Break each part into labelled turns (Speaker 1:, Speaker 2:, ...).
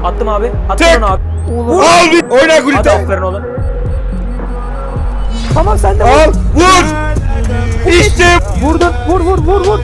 Speaker 1: Attım abi. Attım
Speaker 2: Tek.
Speaker 1: onu abi.
Speaker 3: Oğlum.
Speaker 2: Al bir. Oyna
Speaker 1: Hadi
Speaker 2: Gulit'e.
Speaker 1: aferin oğlum.
Speaker 3: Tamam sen de
Speaker 2: Al.
Speaker 3: vur.
Speaker 2: Vur. İşte.
Speaker 3: Vurdun. Vur.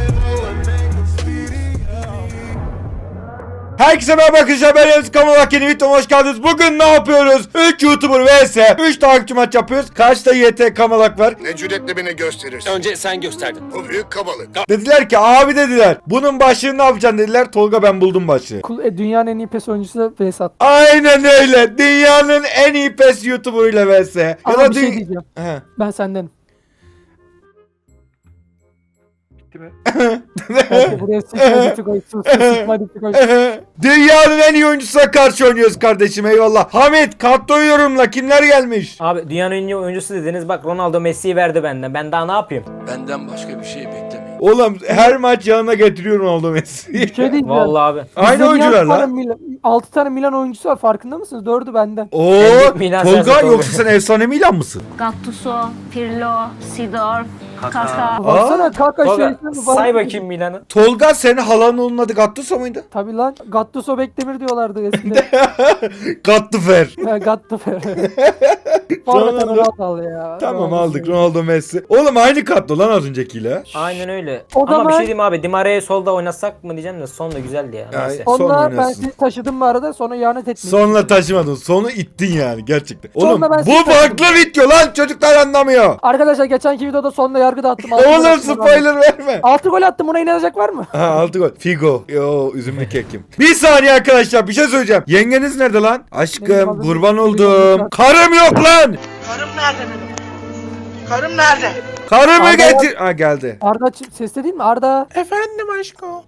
Speaker 2: Herkese merhaba arkadaşlar, ben Remzi Kamalak, yeni videoma hoş geldiniz. Bugün ne yapıyoruz? 3 YouTuber vs 3 takipçi maç yapıyoruz. Karşıda YT Kamalak var.
Speaker 4: Ne cüretle beni gösterirsin.
Speaker 5: Önce sen gösterdin.
Speaker 4: Bu büyük kabalık.
Speaker 2: Dediler ki abi dediler, bunun başlığını ne yapacaksın dediler. Tolga ben buldum başlığı.
Speaker 3: Dünyanın en iyi PES oyuncusu da Vesat.
Speaker 2: Aynen öyle. Dünyanın en iyi PES YouTuber'ıyla vs. Ya
Speaker 3: Ama
Speaker 2: da
Speaker 3: bir şey diyeceğim.
Speaker 2: He.
Speaker 3: Ben sendenim.
Speaker 2: Bitti mi?
Speaker 3: Hadi buraya sıkma koy.
Speaker 2: Dünyanın en iyi oyuncusuna karşı oynuyoruz kardeşim, eyvallah. Hamit katlo yorumla, kimler gelmiş?
Speaker 1: Abi dünyanın en iyi oyuncusu dediniz. Bak Ronaldo Messi'yi verdi benden. Ben daha ne yapayım?
Speaker 5: Benden başka bir şey beklemeyin.
Speaker 2: Oğlum her maç yanına getiriyorum Ronaldo Messi'yi.
Speaker 3: Bir şey diyeceğim.
Speaker 1: Vallahi abi.
Speaker 2: Aynı oyuncular lan.
Speaker 3: 6 tane Milan oyuncusu var, farkında mısınız? 4'ü benden.
Speaker 2: Oo,
Speaker 1: En büyük Milan
Speaker 2: Tolga
Speaker 1: sensin, Tolga.
Speaker 2: yoksa sen efsane Milan mısın?
Speaker 6: Gattuso, Pirlo, Sidorf, Kaka.
Speaker 3: Baksana Kaka
Speaker 1: Tolga
Speaker 3: şeysi mi?
Speaker 1: say bakayım Milan'ı.
Speaker 2: Tolga senin halanın onun adı Gattuso muydu?
Speaker 3: Tabii lan. Gattuso Bekdemir diyorlardı eskiden.
Speaker 2: Gattufer.
Speaker 3: Gattuso. Forvet Ronaldo ya.
Speaker 2: Tamam
Speaker 3: Ronaldo
Speaker 2: aldık
Speaker 3: şey.
Speaker 2: Ronaldo Messi. Oğlum aynı katlo lan az öncekiyle.
Speaker 1: Aynen öyle.
Speaker 3: O
Speaker 1: Ama bir
Speaker 3: zaman-
Speaker 1: şey diyeyim abi. Di Maria'yı solda oynatsak mı diyeceğim de son da güzeldi ya.
Speaker 2: Ya,
Speaker 1: Neyse.
Speaker 2: son
Speaker 3: Onunla ben
Speaker 2: oynasın.
Speaker 3: sizi taşıdım bu arada, sonra ihanet etmeyin.
Speaker 2: Sonla taşımadın. Sonu ittin yani gerçekten.
Speaker 3: Sonra
Speaker 2: Oğlum
Speaker 3: ben
Speaker 2: bu
Speaker 3: sizi
Speaker 2: farklı video lan, çocuklar anlamıyor.
Speaker 3: Arkadaşlar geçenki videoda sonunda yargı dağıttım. Altı gol
Speaker 2: Oğlum
Speaker 3: attım,
Speaker 2: spoiler verme.
Speaker 3: 6 gol attım, buna inanacak var mı?
Speaker 2: Ha 6 gol. Figo. Yo üzümlü kekim. Bir saniye arkadaşlar, bir şey söyleyeceğim. Yengeniz nerede lan?
Speaker 3: Benim
Speaker 2: Aşkım
Speaker 3: adım-
Speaker 2: kurban
Speaker 3: benim
Speaker 2: oldum.
Speaker 3: adım-
Speaker 2: Karım yok lan.
Speaker 7: Karım nerede benim? Karım nerede?
Speaker 2: Karımı
Speaker 3: Arda-
Speaker 2: getir. Ha geldi.
Speaker 3: Arda sesle değil mi? Arda.
Speaker 7: Efendim aşko.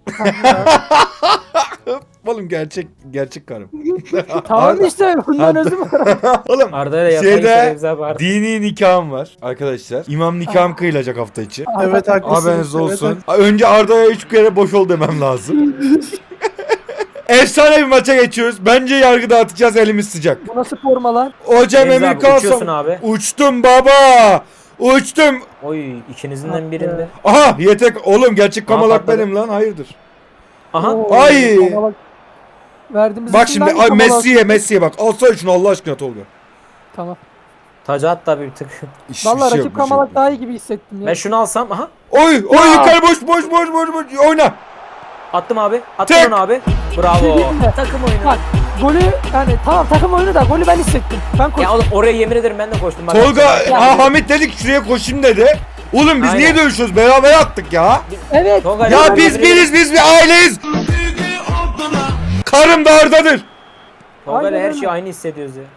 Speaker 2: Oğlum gerçek karım.
Speaker 3: Tamam
Speaker 2: Arda-
Speaker 3: işte bundan özüm var.
Speaker 2: Oğlum
Speaker 1: Arda'yla yapmayı
Speaker 2: şeyde
Speaker 1: Remzi abi Arda.
Speaker 2: dini nikahım var arkadaşlar. İmam nikahım kıyılacak hafta içi.
Speaker 7: Evet haklısın.
Speaker 2: Haberiniz olsun. Önce Arda'ya 3 kere boş ol demem lazım. Efsane bir maça geçiyoruz. Bence yargı dağıtacağız, elimiz sıcak.
Speaker 3: Bu nasıl forma lan?
Speaker 2: Hocam
Speaker 1: Remzi
Speaker 2: emir
Speaker 1: abi, uçuyorsun
Speaker 2: kalsın.
Speaker 1: abi.
Speaker 2: Uçtum baba. Uçtum.
Speaker 1: Oy ikinizin birinde.
Speaker 2: Aha yetek. Oğlum gerçek kamalak
Speaker 1: patladı.
Speaker 2: benim lan, hayırdır.
Speaker 1: Aha.
Speaker 3: Oo,
Speaker 2: Ay.
Speaker 3: Kamalak. Verdiğimiz
Speaker 2: Bak
Speaker 3: isim
Speaker 2: şimdi
Speaker 3: hangi
Speaker 2: ay,
Speaker 3: kamalak?
Speaker 2: Messi'ye bak. Alsana şunu Allah aşkına Tolga.
Speaker 3: Tamam.
Speaker 1: Tacı at da bir tık.
Speaker 3: Vallahi
Speaker 2: şey
Speaker 3: rakip
Speaker 2: yok.
Speaker 3: kamalak daha iyi gibi hissettim ya.
Speaker 1: Ben şunu alsam. Aha.
Speaker 2: Oy
Speaker 3: Ya.
Speaker 2: yukarı boş oyna.
Speaker 1: Attım abi. Attım
Speaker 2: Tek.
Speaker 1: onu abi.
Speaker 3: Şey
Speaker 1: Bravo.
Speaker 3: diyeyim mi?
Speaker 1: Takım oyunu.
Speaker 3: Bak golü yani tamam takım oyunu da golü ben hissettim. Ben koştum.
Speaker 1: Ya oğlum oraya yemin ederim ben de koştum. Bak,
Speaker 2: Tolga
Speaker 1: Ya,
Speaker 2: Hamit dedi ki şuraya koşayım dedi. Oğlum biz
Speaker 1: Aynen.
Speaker 2: niye dövüşüyoruz? Beraber attık ya.
Speaker 3: Evet.
Speaker 1: Tolga,
Speaker 2: Ya
Speaker 1: ben
Speaker 2: biz
Speaker 1: yemin
Speaker 2: biriz, biz bir aileyiz. Karım da Arda'dır.
Speaker 1: Tolga ile
Speaker 3: Aynen
Speaker 1: her
Speaker 3: öyle.
Speaker 1: şeyi aynı hissediyoruz ya.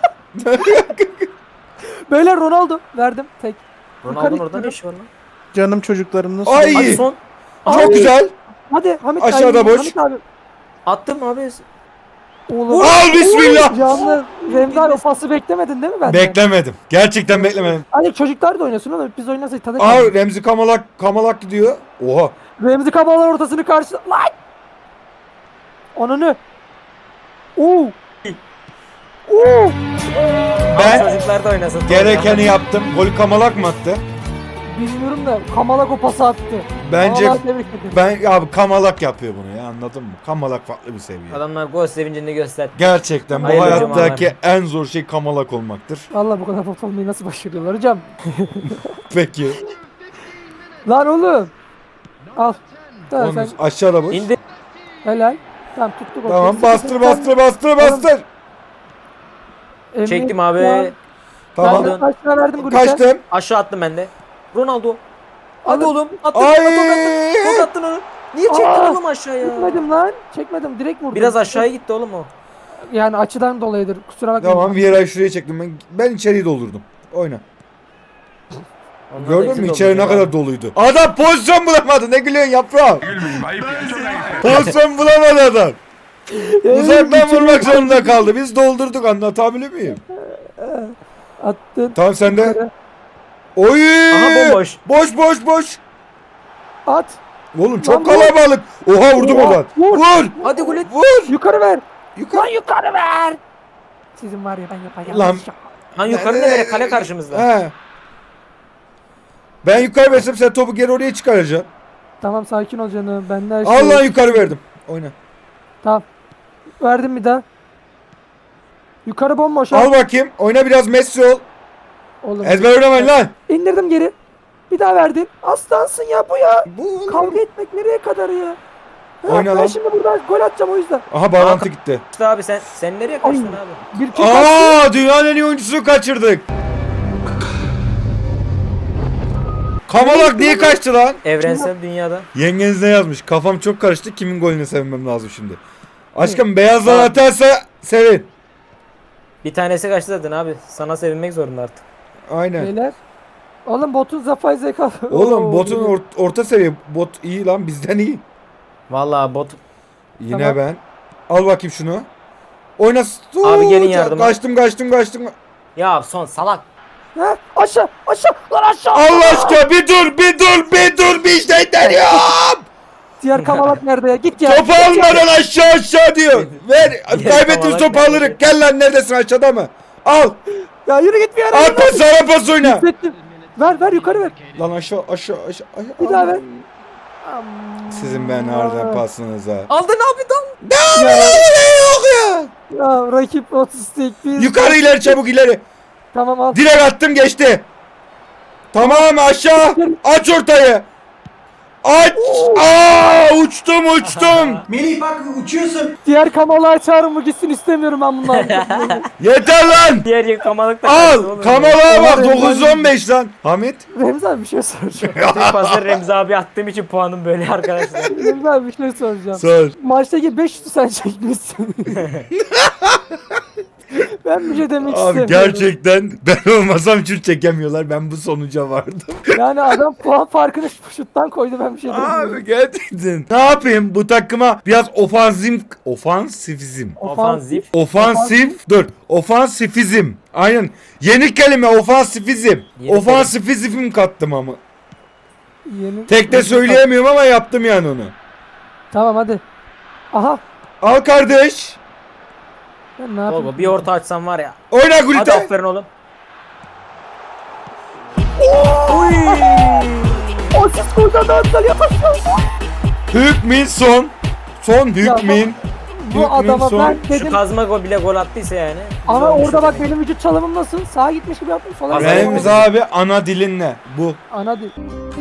Speaker 3: Böyle Ronaldo verdim tek.
Speaker 1: Ronaldo'nun
Speaker 3: Yukarı
Speaker 1: orada ne
Speaker 3: gidiyorum.
Speaker 1: işi var lan?
Speaker 7: Canım çocuklarım nasıl?
Speaker 2: Ay
Speaker 1: Hadi son.
Speaker 2: çok
Speaker 3: Ay.
Speaker 2: güzel.
Speaker 3: Hadi Hamit
Speaker 2: Aşağıda
Speaker 3: abi,
Speaker 2: boş.
Speaker 3: Hamit abi.
Speaker 1: Attım abi.
Speaker 3: Oğlum.
Speaker 2: Al bismillah.
Speaker 3: Canlı Remzi abi o pası beklemedin değil mi benden?
Speaker 2: Beklemedim. Gerçekten beklemedim.
Speaker 3: Hani çocuklar da oynasın oğlum. Biz oynasaydık tadı
Speaker 2: Aa
Speaker 3: kaldı.
Speaker 2: Remzi Kamalak gidiyor. Oha.
Speaker 3: Remzi Kabalar ortasını karşı... Lan! Onunu. Oo. Oo.
Speaker 2: Ben
Speaker 1: Çocuklar da oynasın. Tolga.
Speaker 2: gerekeni yaptım. Golü Kamalak mı attı?
Speaker 3: Bilmiyorum da Kamalak o pası attı.
Speaker 2: Bence
Speaker 3: Vallahi tebrik ederim.
Speaker 2: abi Kamalak yapıyor bunu ya, anladın mı? Kamalak farklı bir seviye.
Speaker 1: Adamlar gol sevincini göster.
Speaker 2: Gerçekten bu
Speaker 1: Hayırlı
Speaker 2: hayattaki
Speaker 1: cumalar.
Speaker 2: en zor şey Kamalak olmaktır.
Speaker 3: Vallahi bu kadar pot olmayı nasıl başarıyorlar hocam?
Speaker 2: Peki.
Speaker 3: Lan oğlum. Al. Tamam
Speaker 2: Onu
Speaker 3: sen
Speaker 2: aşağıda boş.
Speaker 1: İndir.
Speaker 3: helal. Tamam tuttuk.
Speaker 2: Tamam
Speaker 3: okey.
Speaker 2: bastır.
Speaker 3: Emre-
Speaker 1: Çektim abi.
Speaker 3: Ya,
Speaker 2: Tamam.
Speaker 3: Ben de kaç tane verdim Gülüş'e?
Speaker 2: Kaçtım.
Speaker 1: Aşağı attım ben de. Ronaldo. Hadi
Speaker 3: Oğlum.
Speaker 1: oğlum. Attın.
Speaker 2: Ay.
Speaker 1: Tok attın onu. Niye çektin
Speaker 3: Aa.
Speaker 1: oğlum aşağıya?
Speaker 3: Çekmedim lan. Çekmedim. Direkt vurdum.
Speaker 1: Biraz aşağıya gitti oğlum o.
Speaker 3: Yani açıdan dolayıdır. Kusura bakmayın.
Speaker 2: Tamam Vieira'yı şuraya çektim ben içeriği doldurdum. Oyna.
Speaker 1: Ondan da
Speaker 2: Gördün
Speaker 1: eksik
Speaker 2: mü
Speaker 1: oldu
Speaker 2: içeri ne
Speaker 1: ya.
Speaker 2: kadar doluydu. Adam pozisyon bulamadı. Ne gülüyorsun yaprağım? Pozisyon bulamadı adam. Uzaktan vurmak zorunda kaldı. Biz doldurduk, anlatabiliyor muyum?
Speaker 3: Attın.
Speaker 2: Tamam sen de.
Speaker 3: Yukarı.
Speaker 2: Oy!
Speaker 1: Aha, bomboş.
Speaker 2: Boş.
Speaker 3: At.
Speaker 2: Oğlum çok
Speaker 3: Lan vur.
Speaker 2: kalabalık. Oha vurdum
Speaker 3: Oha,
Speaker 2: oradan.
Speaker 3: vur.
Speaker 2: Vur.
Speaker 1: Hadi gol et.
Speaker 2: Vur.
Speaker 3: Yukarı ver.
Speaker 2: Yukarı.
Speaker 3: Lan yukarı ver. Sizin var ya ben yapacağım.
Speaker 2: Lan.
Speaker 1: Lan yukarı ne böyle kale karşımızda.
Speaker 2: He. Ben yukarı versem sen topu geri oraya çıkaracaksın.
Speaker 3: Tamam sakin ol canım. Ben de her şey.
Speaker 2: Allah yukarı verdim. Oyna.
Speaker 3: Tamam. Verdim bir daha. Yukarı bomboş. ha.
Speaker 2: Al bakayım. Oyna biraz Messi ol.
Speaker 3: Oğlum.
Speaker 2: Ezber oynamayın lan.
Speaker 3: İndirdim geri. Bir daha verdin. Aslansın ya bu ya.
Speaker 2: Bu
Speaker 3: Kavga etmek nereye kadar ya? Ha,
Speaker 2: Oyna
Speaker 3: ben
Speaker 2: lan.
Speaker 3: şimdi buradan gol atacağım o yüzden.
Speaker 2: Aha bağlantı gitti.
Speaker 1: İşte abi sen nereye kaçtın abi?
Speaker 3: Bir kick attı.
Speaker 2: Aa dünyanın en iyi oyuncusunu kaçırdık. Kamalak niye kaçtı lan?
Speaker 1: Evrensel dünyada.
Speaker 2: Yengeniz ne yazmış? Kafam çok karıştı. Kimin golünü sevmem lazım şimdi. Aşkım beyazlar atarsa sevin.
Speaker 1: Bir tanesi kaçtı zaten abi. Sana sevinmek zorunda artık.
Speaker 2: Aynen.
Speaker 3: Beyler. Oğlum botun zapay zeka.
Speaker 2: Oğlum
Speaker 3: Oo,
Speaker 2: botun
Speaker 3: biliyorum.
Speaker 2: orta seviye. Bot iyi lan bizden iyi.
Speaker 1: Vallahi bot.
Speaker 2: Yine
Speaker 3: Tamam.
Speaker 2: ben. Al bakayım şunu. Oyna.
Speaker 1: Abi gelin yardıma.
Speaker 2: Kaçtım.
Speaker 1: Ya son salak.
Speaker 3: Ha, aşağı lan aşağı.
Speaker 2: Allah aşkına bir dur bir şey deniyorum.
Speaker 3: Diğer kamalak nerede ya? Git ya.
Speaker 2: Topu almadan aşağı diyor. Ver. Kaybettiğimiz
Speaker 1: kamalak
Speaker 2: topu
Speaker 1: nerede?
Speaker 2: alırız. Gel lan neredesin aşağıda mı? Al.
Speaker 3: Ya yürü git bir yere.
Speaker 2: Al pas sana pas oyna.
Speaker 3: Hissettim. Ver yukarı ver.
Speaker 2: Lan aşağı.
Speaker 3: Bir daha ver.
Speaker 2: Sizin ben nereden pasınıza.
Speaker 1: Aldın abi dal.
Speaker 3: Ya,
Speaker 2: Yok ya.
Speaker 3: ya rakip otistik biz.
Speaker 2: Yukarı ileri çabuk ileri.
Speaker 3: Tamam al.
Speaker 2: Direkt attım geçti. Tamam aşağı. Aç ortayı. Aç. Uçtum.
Speaker 7: Melih bak uçuyorsun.
Speaker 3: Diğer kamalağı çağırın mı gitsin istemiyorum ben bunları.
Speaker 2: Yeter lan.
Speaker 1: Diğer yer kamalık da kaçtı
Speaker 2: Al.
Speaker 1: oğlum.
Speaker 2: Kamera bak
Speaker 3: Var,
Speaker 2: 915 lan. Hamit.
Speaker 3: Remzi abi bir şey soracağım.
Speaker 1: Tek pasları Remzi abi attığım için puanım böyle arkadaşlar.
Speaker 3: Remzi abi bir şey soracağım.
Speaker 2: Sor.
Speaker 3: Maçtaki 5 şutu sen çekmişsin. Ben bir şey demek
Speaker 2: Abi
Speaker 3: istemiyorum.
Speaker 2: gerçekten ben olmasam şut çekemiyorlar. Ben bu sonuca vardım.
Speaker 3: Yani adam puan farkını şuttan koydu ben bir şey demiyorum.
Speaker 2: Abi gerçekten. Ne yapayım bu takıma biraz ofansifizm. Ofansifizm. Aynen. Yeni kelime ofansifizm.
Speaker 1: Yeni
Speaker 2: Ofansifizm kattım ama.
Speaker 3: Yeni...
Speaker 2: Tek de söyleyemiyorum ama yaptım yani onu.
Speaker 3: Tamam hadi. Aha.
Speaker 2: Al kardeş.
Speaker 3: Ben ne yapayım?
Speaker 1: Tolga bir orta açsam var ya.
Speaker 2: Oyna
Speaker 1: Hadi
Speaker 2: Gülten.
Speaker 1: aferin oğlum.
Speaker 3: O siz koydan dağıtlar yapışıyor.
Speaker 2: Hükmin son. Son hükmin.
Speaker 3: Bu adama
Speaker 2: son.
Speaker 3: ben
Speaker 1: Şu
Speaker 3: dedim.
Speaker 1: kazma gol bile gol attıysa yani.
Speaker 3: Ama
Speaker 1: güzel olmuş
Speaker 3: orada bak
Speaker 1: demek.
Speaker 3: benim vücut çalımım nasıl? Sağa gitmiş gibi yaptım. Sola
Speaker 1: Azar
Speaker 3: gitmiş.
Speaker 2: Remzi abi ana dilin ne? Bu.
Speaker 3: Ana değil.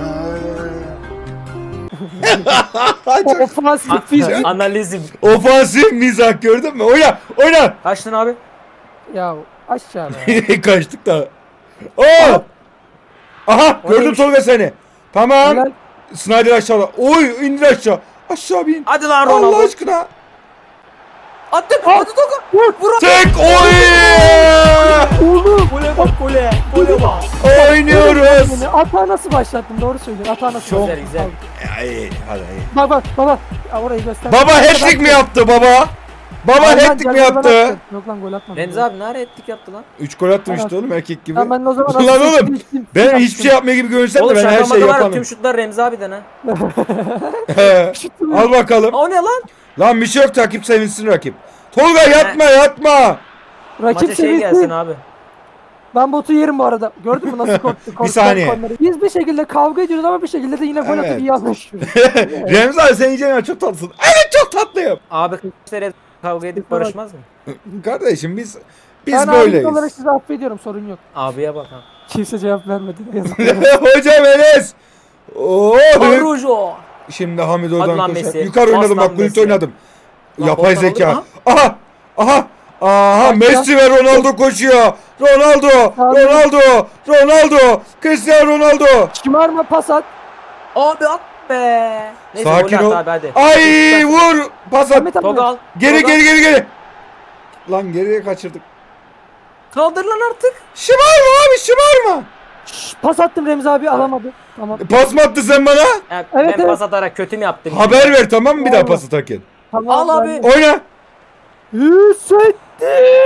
Speaker 2: Çok
Speaker 3: Ofansif fizik.
Speaker 1: Analizim.
Speaker 2: ofansif mizah gördün mü? Oyna.
Speaker 1: Kaçtın abi?
Speaker 3: Ya aşağı be.
Speaker 2: Kaçtık da. Oo! Aha gördüm
Speaker 1: neymiş?
Speaker 2: Tolga seni. Tamam.
Speaker 3: Helal.
Speaker 2: Snyder aşağıda. Oy indir aşağı. Aşağı bin.
Speaker 1: Hadi lan
Speaker 2: Allah
Speaker 1: Ronaldo.
Speaker 2: aşkına.
Speaker 1: Attın. Hadi Tolga. Vur.
Speaker 2: Tek oy.
Speaker 3: Oğlum.
Speaker 1: Gole bak gole. Gole bak.
Speaker 2: Oynuyoruz.
Speaker 3: Atağı nasıl başlattın? Doğru söylüyorsun. Atağı nasıl
Speaker 1: Çok
Speaker 3: başlattın?
Speaker 1: güzel.
Speaker 2: Ay, hadi.
Speaker 3: Bak baba. Ya orayı göster.
Speaker 2: Baba hat-trick mi yaptı baba? Baba
Speaker 3: Lan,
Speaker 2: hat-trick mi
Speaker 3: gel,
Speaker 2: yaptı?
Speaker 3: gel, yok lan gol atmadım.
Speaker 1: Remzi abi ne ara ettik yaptı lan?
Speaker 2: 3 gol attım işte oğlum erkek gibi.
Speaker 3: Ya ben de o zaman
Speaker 2: Lan
Speaker 3: nasıl
Speaker 2: oğlum
Speaker 3: seçtim?
Speaker 2: ben
Speaker 3: Yaptım.
Speaker 2: hiçbir şey yapmıyor gibi görünsem de
Speaker 1: Oğlum
Speaker 2: ben her şeyi
Speaker 1: şakamada var ya
Speaker 2: yaparım.
Speaker 1: tüm şutlar Remzi abiden ha.
Speaker 2: Al bakalım.
Speaker 1: O ne lan?
Speaker 2: Lan bir şey yok takip sevinsin rakip. Tolga yatma.
Speaker 3: Rakip
Speaker 1: Maça şey gelsin
Speaker 3: sevinsin.
Speaker 1: abi.
Speaker 3: Ben botu yerim bu arada. Gördün mü nasıl korktu?
Speaker 2: Bir saniye.
Speaker 3: korktu. Biz bir şekilde kavga ediyoruz ama bir şekilde de yine gol
Speaker 2: Evet.
Speaker 3: atıp iyi anlaşıyoruz.
Speaker 2: Remzi abi sen yiyeceğin çok tatlısın. Evet çok tatlıyım.
Speaker 1: Abi kere kavga edip barışmaz mı?
Speaker 2: Kardeşim biz
Speaker 3: Ben
Speaker 2: böyleyiz.
Speaker 3: abi olarak sizi affediyorum, sorun yok.
Speaker 1: Abiye bak ha.
Speaker 3: Kimse cevap vermedi. Yazık.
Speaker 2: Hocam Enes. Oo.
Speaker 1: Arujo.
Speaker 2: Şimdi Hamid
Speaker 1: Hadi
Speaker 2: oradan
Speaker 1: lan
Speaker 2: koşar.
Speaker 1: Messi.
Speaker 2: Yukarı oynadım
Speaker 1: Bas lan
Speaker 2: bak Gullit
Speaker 1: Messi.
Speaker 2: oynadım.
Speaker 1: Lan
Speaker 2: Yapay
Speaker 1: oradan
Speaker 2: zeka.
Speaker 1: aldım,
Speaker 2: Aha.
Speaker 3: Bak
Speaker 2: Messi ve Ronaldo koşuyor. Ronaldo. Cristiano Ronaldo.
Speaker 3: Şımarma, pas at.
Speaker 1: Abi at be. Neyse
Speaker 2: Sakin
Speaker 1: gol
Speaker 2: ol.
Speaker 1: at abi hadi.
Speaker 2: Ay vur. Pas at.
Speaker 3: Ahmet abi.
Speaker 1: Tolga al.
Speaker 2: Geri
Speaker 1: Tolga.
Speaker 2: geri. Lan geriye kaçırdık.
Speaker 1: Kaldır lan artık.
Speaker 2: Şımarma.
Speaker 3: Şşş, pas attım, Remzi abi alamadı. Tamam.
Speaker 2: Pas mı attı sen bana?
Speaker 1: Ya,
Speaker 3: Evet,
Speaker 1: ben
Speaker 3: evet.
Speaker 1: pas atarak kötü mü yaptım?
Speaker 2: Haber ver tamam mı bir daha
Speaker 3: Vallahi.
Speaker 2: pas atarken?
Speaker 3: Tamam.
Speaker 1: Al abi.
Speaker 3: ben-
Speaker 2: Oyna.
Speaker 3: Hissettim.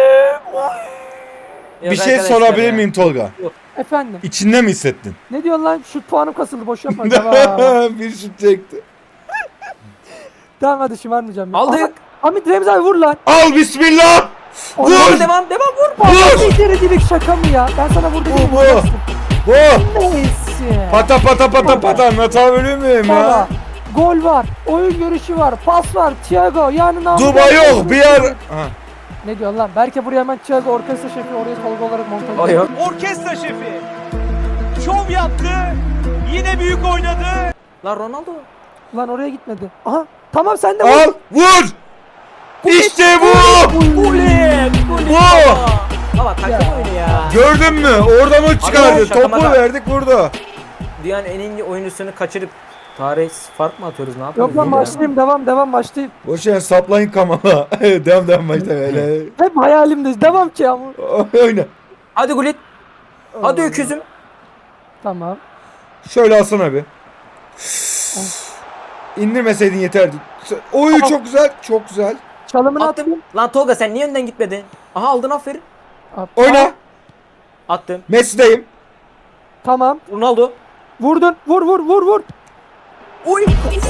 Speaker 1: Yok
Speaker 2: Bir şey
Speaker 1: arkadaşlar
Speaker 2: sorabilir
Speaker 1: ya.
Speaker 2: miyim Tolga?
Speaker 3: Efendim.
Speaker 2: İçinde mi hissettin?
Speaker 3: Ne diyorsun lan? Şut puanım kasıldı, boş yapma. Tamam.
Speaker 2: Bir şut çekti.
Speaker 3: Tamam hadi şımarmayacağım. ya.
Speaker 1: Aldık.
Speaker 3: Aha, Hamit, Remzi abi vur lan.
Speaker 2: Al bismillah.
Speaker 3: Onu
Speaker 2: Vur.
Speaker 1: Devam vur.
Speaker 2: Vur.
Speaker 3: İçeri direkt şaka mı ya? Ben sana vur dedim.
Speaker 2: Bu.
Speaker 3: vuracaksın.
Speaker 2: Bu.
Speaker 3: Neyse.
Speaker 2: Pata anlatabiliyor muyum
Speaker 3: Baba,
Speaker 2: ya?
Speaker 3: gol var, oyun görüşü var, pas var, Thiago yani ne
Speaker 2: Duba yok bir yer. Aha.
Speaker 3: Ne diyorsun lan? Belki buraya hemen çağır orkestra şefi oraya Tolga olarak montaj
Speaker 1: O yok.
Speaker 7: Orkestra şefi. Şov yaptı. Yine büyük oynadı.
Speaker 1: Lan Ronaldo.
Speaker 3: Lan oraya gitmedi. Aha tamam sen de
Speaker 2: Al vur. İşte bu.
Speaker 1: Bulet.
Speaker 2: Bu.
Speaker 1: Baba takım oyunu ya.
Speaker 2: Gördün mü? Oradan o çıkardı.
Speaker 1: Abi, şaka
Speaker 2: Topu
Speaker 1: maka.
Speaker 2: verdik vurdu.
Speaker 1: Dünyanın en iyi oyuncusunu kaçırıp tarih fark mı atıyoruz ne yapıyoruz?
Speaker 3: Yok lan
Speaker 1: ya?
Speaker 3: başlayayım devam başlayayım.
Speaker 2: Boş ver saplayın kamala. devam başta böyle.
Speaker 3: Hep hayalimde devam ki ama.
Speaker 2: Oyna.
Speaker 1: Hadi Gullit. Hadi öküzüm.
Speaker 3: Tamam.
Speaker 2: Şöyle alsana bir. İndirmeseydin yeterdi. Oy çok güzel. Çok güzel.
Speaker 3: Çalımını
Speaker 1: Attım.
Speaker 3: attım.
Speaker 1: Lan Tolga sen niye önden gitmedin? Aha aldın aferin.
Speaker 2: Oyna.
Speaker 1: Attım.
Speaker 2: Messi'deyim.
Speaker 3: Tamam.
Speaker 1: Ronaldo.
Speaker 3: Vurdun. Vur.
Speaker 1: Oy.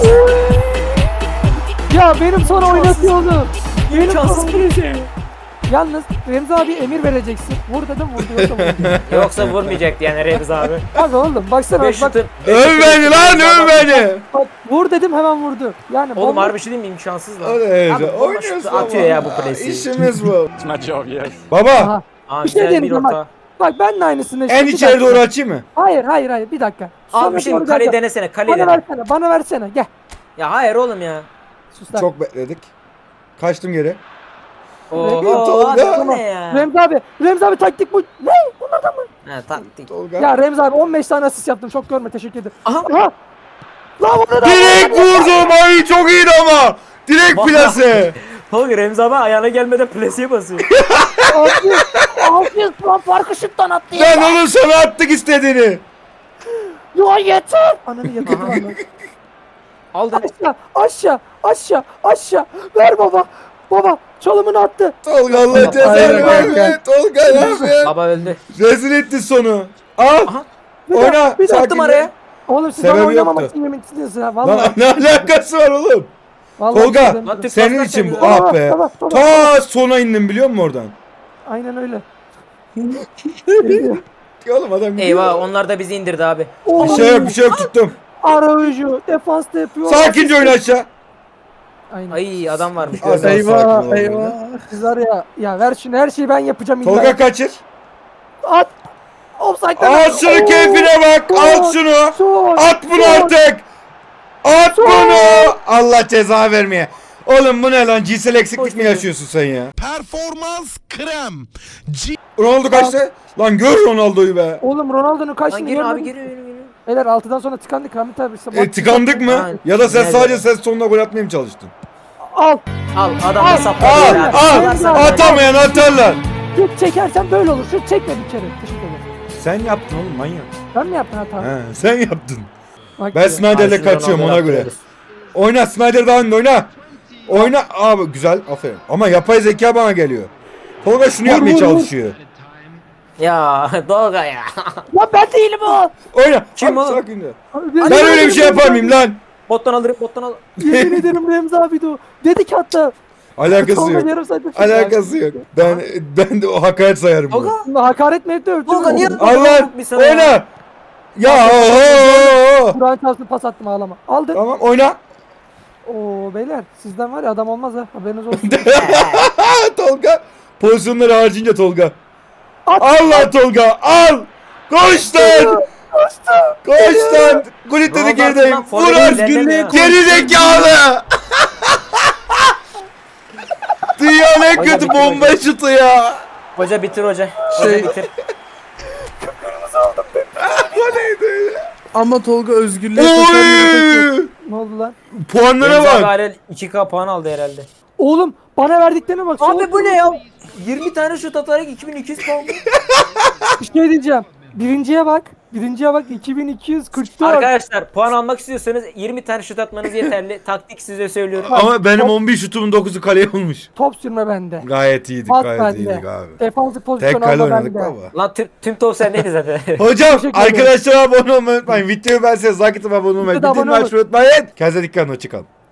Speaker 3: Ya benim sana oynatıyordu. Benim
Speaker 1: İmkansız
Speaker 3: sana
Speaker 1: bir şey.
Speaker 3: Yalnız Remzi abi emir vereceksin. Vur dedim vurdu. Yoksa vurdu.
Speaker 1: Yoksa vurmayacaktı yani Remzi abi.
Speaker 3: Abi oğlum baksana
Speaker 1: 5
Speaker 3: bak,
Speaker 1: şutun.
Speaker 2: Öv beni lan öv beni.
Speaker 3: bak vur dedim hemen vurdu. Yani
Speaker 1: Oğlum
Speaker 3: bomba-
Speaker 1: harbi şey değil mi imkansız lan.
Speaker 2: Hadi
Speaker 1: Abi, bomba
Speaker 2: oynuyorsun
Speaker 1: şutu atıyor ya bu
Speaker 2: ama.
Speaker 1: presi.
Speaker 2: İşimiz bu.
Speaker 5: It's my job, yes.
Speaker 2: Baba
Speaker 3: Aha.
Speaker 1: Aa,
Speaker 3: Bir şey
Speaker 1: güzel bir
Speaker 3: deneyeceğim
Speaker 1: orta.
Speaker 3: Bak ben de aynısını.
Speaker 2: en
Speaker 3: Bir
Speaker 2: içeri
Speaker 3: dakika.
Speaker 2: doğru açayım mı?
Speaker 3: Hayır bir dakika.
Speaker 1: Abi
Speaker 3: Sonra
Speaker 1: bir şey
Speaker 3: doğru
Speaker 1: mi? Kaleyi
Speaker 3: geleceğim.
Speaker 1: denesene. Kaleyi
Speaker 3: Bana
Speaker 1: dene.
Speaker 3: bana versene gel.
Speaker 1: Ya hayır oğlum ya.
Speaker 3: Sus lan.
Speaker 2: Çok bekledik. Kaçtım geri.
Speaker 1: Oho
Speaker 2: Tolga.
Speaker 1: abi bu ne ya?
Speaker 3: Remzi abi taktik bu. Ne? Bunlardan mı?
Speaker 1: Ha taktik.
Speaker 2: Tolga.
Speaker 3: Ya Remzi abi 15 tane asist yaptım. Çok görme teşekkür ederim.
Speaker 1: Aha.
Speaker 3: Aha. Lan bunu da
Speaker 2: Direkt vurdum. Ay çok iyiydi ama. Direkt
Speaker 1: Bak.
Speaker 2: plase.
Speaker 1: Tolga Remzi abi ayağına gelmeden plasiye basıyor.
Speaker 3: 600 puan farkı şuttan attı ya.
Speaker 2: Lan oğlum sana attık istediğini.
Speaker 3: Ya yeter. Ananı yeter lan.
Speaker 1: Aldın.
Speaker 3: Aşağı. Ver baba. Baba çalımını attı.
Speaker 2: Tolga Allah
Speaker 1: Aynen
Speaker 2: cezanı
Speaker 3: kanka.
Speaker 2: verme. Tolga yapma.
Speaker 1: Baba öldü.
Speaker 2: Rezil etti sonu. Al.
Speaker 1: Aha.
Speaker 2: Oyna.
Speaker 3: bir de
Speaker 1: Attım araya.
Speaker 3: Oğlum siz
Speaker 2: Sebebi
Speaker 3: bana oynamamak
Speaker 2: yoktu.
Speaker 3: için yeminlisiniz ya.
Speaker 2: Lan
Speaker 3: Vallahi.
Speaker 2: ne alakası var oğlum?
Speaker 3: Vallahi
Speaker 2: Tolga,
Speaker 3: bir şey demiyorum.
Speaker 1: Lan Türk
Speaker 2: Senin
Speaker 1: paslar
Speaker 2: için bu.
Speaker 1: seviyor.
Speaker 2: Ah be.
Speaker 3: Tamam.
Speaker 2: Ta sona indim biliyor musun oradan?
Speaker 3: Aynen öyle.
Speaker 2: Oğlum adam gidiyor.
Speaker 1: Eyvah onlar da bizi indirdi abi.
Speaker 2: Bir şey yok tuttum.
Speaker 3: Arayüzü defansta yapıyor.
Speaker 2: Sakince oyna aşağı.
Speaker 3: Aynen.
Speaker 1: Ay adam varmış.
Speaker 2: Az daha
Speaker 1: gördüm.
Speaker 2: sakin ol böyle.
Speaker 3: Siz var ya ver şunu her şeyi ben yapacağım illa.
Speaker 2: Tolga kaçır.
Speaker 3: At. Offside'den.
Speaker 2: Al şunu keyfine bak. Al şunu.
Speaker 3: Şut.
Speaker 2: At bunu artık. At bunu. Allah ceza vermeye. Oğlum bu ne lan? Cinsel eksiklik mi yaşıyorsun sen ya?
Speaker 8: Performans krem.
Speaker 2: Ronaldo kaçtı. Lan gör Ronaldo'yu be.
Speaker 3: Oğlum Ronaldo'nun
Speaker 1: Lan
Speaker 3: kaçtığını
Speaker 1: geri abi
Speaker 3: görmedim.
Speaker 1: geri.
Speaker 3: Beyler 6'dan sonra tıkandık Hamit abi.
Speaker 2: Tıkandık mı?
Speaker 1: Aynen.
Speaker 2: Ya da sen
Speaker 1: Nerede?
Speaker 2: sadece ses tonuna gol atmaya mı çalıştın?
Speaker 3: Al.
Speaker 1: Al adam da
Speaker 3: Al,
Speaker 1: sapladı.
Speaker 2: Al
Speaker 1: ya.
Speaker 2: al.
Speaker 1: Atarsan
Speaker 2: Atamayan atarlar.
Speaker 3: Şut çekersen böyle olur. Şut çekme bir kere. Teşekkür ederim.
Speaker 2: Sen yaptın oğlum manyak.
Speaker 3: Ben mi yaptın hata?
Speaker 2: He, sen yaptın.
Speaker 3: Bak
Speaker 2: Ben
Speaker 3: ya.
Speaker 2: Snyder'le
Speaker 1: Ay, şu
Speaker 2: kaçıyorum ona
Speaker 1: Ronaldo'yu
Speaker 2: göre.
Speaker 1: atıyoruz.
Speaker 2: Oyna Snyder daha önde oyna. Oyna abi güzel aferin. Ama yapay zeka bana geliyor. Tolga şunu yapmaya
Speaker 3: vur.
Speaker 2: çalışıyor.
Speaker 1: Ya Tolga ya.
Speaker 3: Lan ben değilim o.
Speaker 2: Oyna.
Speaker 1: Kim
Speaker 2: Abi,
Speaker 1: oğlum?
Speaker 2: sakin de.
Speaker 3: Abi,
Speaker 2: Ben öyle bir şey yapar mıyım lan?
Speaker 1: Bottan alırım bottan al.
Speaker 3: Yemin ederim Remzi abi de o. Dedik hatta.
Speaker 2: Alakası
Speaker 3: Tolga
Speaker 2: yok.
Speaker 3: yarım saatte şey
Speaker 2: Alakası yok. Ben de o hakaret sayarım bunu.
Speaker 1: Tolga.
Speaker 3: Şimdi hakaret mi etti öldü
Speaker 1: Tolga
Speaker 3: mü?
Speaker 1: niye
Speaker 2: Allah
Speaker 1: bir sana ya?
Speaker 2: oyna. Ya oho.
Speaker 3: Kur'an çalsın pas attım ağlama. Aldın.
Speaker 2: Tamam oyna.
Speaker 3: Oo beyler sizden var ya adam olmaz ha. Haberiniz olsun.
Speaker 2: Tolga. Pozisyonları harcayınca Tolga.
Speaker 3: At.
Speaker 2: Al lan Tolga al. Koş lan. Koş lan. Gullit dedi
Speaker 1: Ronaldo
Speaker 2: gerideyim.
Speaker 1: lan,
Speaker 2: Vur
Speaker 1: forvet
Speaker 2: artık.
Speaker 1: ilerlemiyor.
Speaker 2: Geri zekalı. Dünyanın en
Speaker 1: Hoca
Speaker 2: kötü
Speaker 1: bitir
Speaker 2: bomba şutu ya.
Speaker 1: Hoca bitir hoca. Hoca bitir.
Speaker 9: Ama Tolga özgürlüğe kaçar.
Speaker 2: Oy.
Speaker 3: Ne oldu lan?
Speaker 2: Puanlara
Speaker 1: Remzi abi
Speaker 2: bak.
Speaker 1: hala 2K puan aldı herhalde.
Speaker 3: Oğlum bana verdiklerine bak.
Speaker 1: Abi bu ne ya? 20 tane şut atarak 2200 puan.
Speaker 3: Bir şey diyeceğim. Birinciye bak. 2244.
Speaker 1: Arkadaşlar puan almak istiyorsanız 20 tane şut atmanız yeterli. Taktik size söylüyorum.
Speaker 2: Ama benim 11 şutumun 9'u kaleye olmuş.
Speaker 3: Top sürme bende.
Speaker 2: Gayet iyiydik,
Speaker 3: Pas
Speaker 2: gayet
Speaker 3: bende.
Speaker 2: iyiydik abi.
Speaker 3: Defansif pozisyon
Speaker 2: Tek kale
Speaker 3: alma
Speaker 2: oynadık
Speaker 3: bende.
Speaker 2: baba.
Speaker 1: Lan tüm top sendeydi zaten.
Speaker 2: Hocam
Speaker 3: Teşekkür ederim.
Speaker 2: arkadaşlar abone olmayı unutmayın. Videoyu ben size zakitim abone olmayı.
Speaker 3: Videoda
Speaker 2: Bildirim
Speaker 3: abone
Speaker 2: açmayı unutmayın. Kendinize dikkat edin. Hoşçakalın.